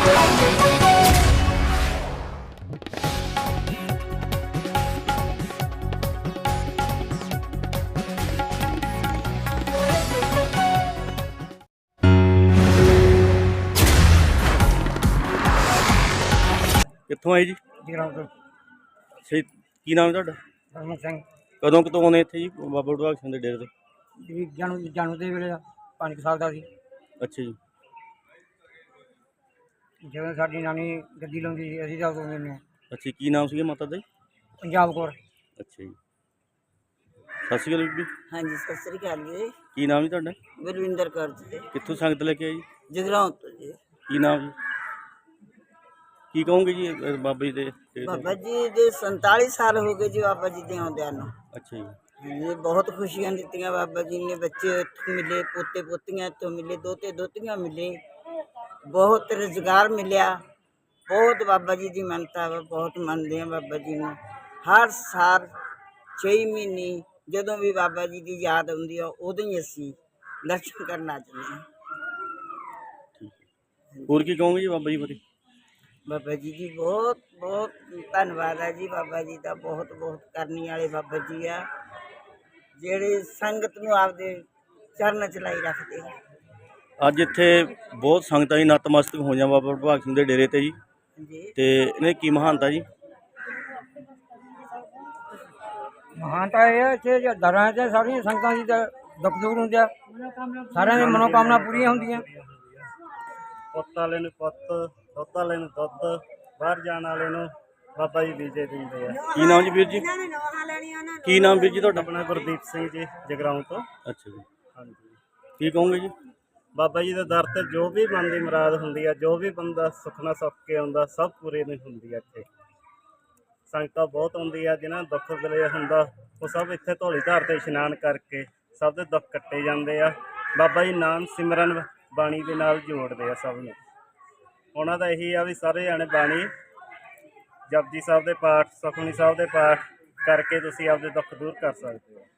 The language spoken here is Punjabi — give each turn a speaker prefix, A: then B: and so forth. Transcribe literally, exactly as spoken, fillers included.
A: ਕਿੱਥੋਂ ਆਏ ਜੀ?
B: ਜਗਰਾਉਂ ਤੋਂ।
A: ਅੱਛਾ ਜੀ, ਕੀ ਨਾਮ ਹੈ ਤੁਹਾਡਾ?
B: ਹਰਮਨ ਸਿੰਘ।
A: ਕਦੋਂ ਕਿਤੋਂ ਆਉਂਦੇ ਇੱਥੇ ਜੀ ਬਾਬਾ ਬੁੱਢਾ ਸਿੰਘ ਦੇ ਡੇਰੇ ਤੇ?
B: ਜੀ ਜਨਮ ਜਨਮ ਦੇ ਵੇਲੇ ਦਾ ਪੰਜ ਕੁ ਸਾਲ ਦਾ ਸੀ,
A: ਅੱਛਾ ਜੀ।
B: ਜਦੋਂ ਸਾਡੀ ਨਾਨੀ ਗੱਡੀ ਲਾਉਂਦੀ ਸੀ ਅਸੀਂ ਤਾਂ ਉਦੋਂ ਦਿੰਦੇ ਹਾਂ।
A: ਅੱਛਾ, ਕੀ ਨਾਮ ਸੀਗਾ ਮਾਤਾ ਦਾ ਜੀ?
B: ਪੰਜਾਬ ਕੌਰ।
A: ਅੱਛਾ ਜੀ। ਸਤਿ ਸ਼੍ਰੀ ਅਕਾਲ ਬੀਬੀ।
C: ਹਾਂਜੀ, ਸਤਿ ਸ੍ਰੀ ਅਕਾਲ ਜੀ।
A: ਕੀ ਨਾਮ ਜੀ ਤੁਹਾਡਾ?
C: ਬਲਵਿੰਦਰ ਕੌਰ ਜੀ।
A: ਕਿੱਥੋਂ ਸੰਗਤ ਲੈ ਕੇ ਆਏ ਜੀ?
C: ਜਗਰਾਉਂ ਤੋਂ ਜੀ।
A: ਕੀ ਨਾਮ ਜੀ? ਕੀ ਕਹੋਗੇ ਜੀ ਇਹ ਬਾਬਾ ਜੀ ਦੇ ਡੇਰੇ ਤੇ?
C: ਬਾਬਾ ਜੀ ਦੇ ਸੰਤਾਲੀ ਸਾਲ ਹੋ ਗਏ ਜੀ ਬਾਬਾ ਜੀ ਦੇ ਆਉਂਦਿਆਂ ਨੂੰ।
A: ਅੱਛਾ ਜੀ।
C: ਹਾਂਜੀ, ਬਹੁਤ ਖੁਸ਼ੀਆਂ ਦਿੱਤੀਆਂ ਬਾਬਾ ਜੀ ਨੇ। ਬੱਚੇ ਇੱਥੋਂ ਮਿਲੇ, ਪੋਤੇ ਪੋਤੀਆਂ ਇੱਥੋਂ ਮਿਲੇ, ਦੋਤੇ ਦੋਤੀਆਂ ਮਿਲੇ, ਬਹੁਤ ਰੁਜ਼ਗਾਰ ਮਿਲਿਆ। ਬਹੁਤ ਬਾਬਾ ਜੀ ਦੀ ਮੰਨਤਾ ਵਾ, ਬਹੁਤ ਮੰਨਦੇ ਆ ਬਾਬਾ ਜੀ ਨੂੰ। ਹਰ ਸਾਲ ਛੇ ਮਹੀਨੇ ਜਦੋਂ ਵੀ ਬਾਬਾ ਜੀ ਦੀ ਯਾਦ ਆਉਂਦੀ ਆ ਉਦੋਂ ਹੀ ਅਸੀਂ ਦਰਸ਼ਨ ਕਰਨ ਆ ਜਾਂਦੇ ਹਾਂ।
A: ਹੋਰ ਕੀ ਕਹੋਗੇ ਜੀ ਬਾਬਾ ਜੀ ਬਾਰੇ?
C: ਬਾਬਾ ਜੀ ਦੀ ਬਹੁਤ ਬਹੁਤ ਧੰਨਵਾਦ ਹੈ ਜੀ। ਬਾਬਾ ਜੀ ਦਾ ਬਹੁਤ ਬਹੁਤ ਕਰਨੀ ਵਾਲੇ ਬਾਬਾ ਜੀ ਆ, ਜਿਹੜੇ ਸੰਗਤ ਨੂੰ ਆਪਦੇ ਚਰਨ ਚ ਲਾਈ ਰੱਖਦੇ ਆ।
A: ਅੱਜ ਇੱਥੇ ਬਹੁਤ ਸੰਗਤਾਂ ਜੀ ਨਤਮਸਤਕ ਹੋਈਆਂ ਬਾਬਾ ਬੁੱਢਾ ਸਿੰਘ ਦੇ ਡੇਰੇ ਤੇ ਜੀ,
C: ਜੀ
A: ਤੇ ਇਹਨੇ ਕੀ ਮਹਾਨਤਾ ਜੀ?
B: ਮਹਾਨਤਾ ਇਹ ਹੈ ਇੱਥੇ ਦਰਾਂ 'ਚ ਸਾਰੀਆਂ ਸੰਗਤਾਂ ਦੀ ਤਾਂ ਦੁੱਖ ਦੂਰ ਹੁੰਦੇ ਆ, ਸਾਰਿਆਂ ਦੀ ਮਨੋਕਾਮਨਾ ਪੂਰੀਆਂ ਹੁੰਦੀਆਂ।
D: ਪੁੱਤ ਵਾਲੇ ਨੂੰ ਪੁੱਤ, ਦੁੱਧ ਵਾਲੇ ਨੂੰ ਦੁੱਧ, ਬਾਹਰ ਜਾਣ ਵਾਲੇ ਨੂੰ ਬਾਬਾ ਜੀ ਵੀਜ਼ੇ ਦਿੰਦੇ ਆ।
A: ਕੀ ਨਾਮ ਜੀ ਵੀਰ ਜੀ? ਕੀ ਨਾਮ ਵੀਰ ਜੀ ਤੁਹਾਡਾ?
D: ਆਪਣਾ ਗੁਰਦੀਪ ਸਿੰਘ ਜੀ, ਜਗਰਾਉਂ ਤੋਂ।
A: ਅੱਛਾ ਜੀ।
D: ਹਾਂਜੀ,
A: ਕੀ ਕਹੋਗੇ ਜੀ?
D: ਬਾਬਾ ਜੀ ਦੇ ਦਰ ਤੇ ਜੋ ਵੀ ਮਨ ਦੀ ਮੁਰਾਦ ਹੁੰਦੀ ਆ, ਜੋ ਵੀ ਬੰਦਾ ਸੁਖਨਾ ਸੁੱਖ ਕੇ ਆਉਂਦਾ, ਸਭ ਪੂਰੇ ਨਹੀਂ ਹੁੰਦੀ ਆ। ਇੱਥੇ ਸੰਗਤਾਂ ਬਹੁਤ ਆਉਂਦੀ ਆ, ਜਿਹਨਾਂ ਦਾ ਦੁੱਖ ਦਿਲੇ ਹੁੰਦਾ ਉਹ ਸਭ ਇੱਥੇ ਧੌਲੀ ਧਾਰ ਤੇ ਇਸ਼ਨਾਨ ਕਰਕੇ ਸਭ ਦੇ ਦੁੱਖ ਕੱਟੇ ਜਾਂਦੇ ਆ। ਬਾਬਾ ਜੀ ਨਾਮ ਸਿਮਰਨ ਬਾਣੀ ਦੇ ਨਾਲ ਜੋੜਦੇ ਆ ਸਭ ਨੂੰ। ਉਹਨਾਂ ਦਾ ਇਹੀ ਆ ਵੀ ਸਾਰੇ ਜਾਣੇ ਬਾਣੀ ਜਪਜੀ ਸਾਹਿਬ ਦੇ ਪਾਠ, ਸੁਖਮਨੀ ਸਾਹਿਬ ਦੇ ਪਾਠ ਕਰਕੇ ਤੁਸੀਂ ਆਪਦੇ ਦੁੱਖ ਦੂਰ ਕਰ ਸਕਦੇ ਹੋ।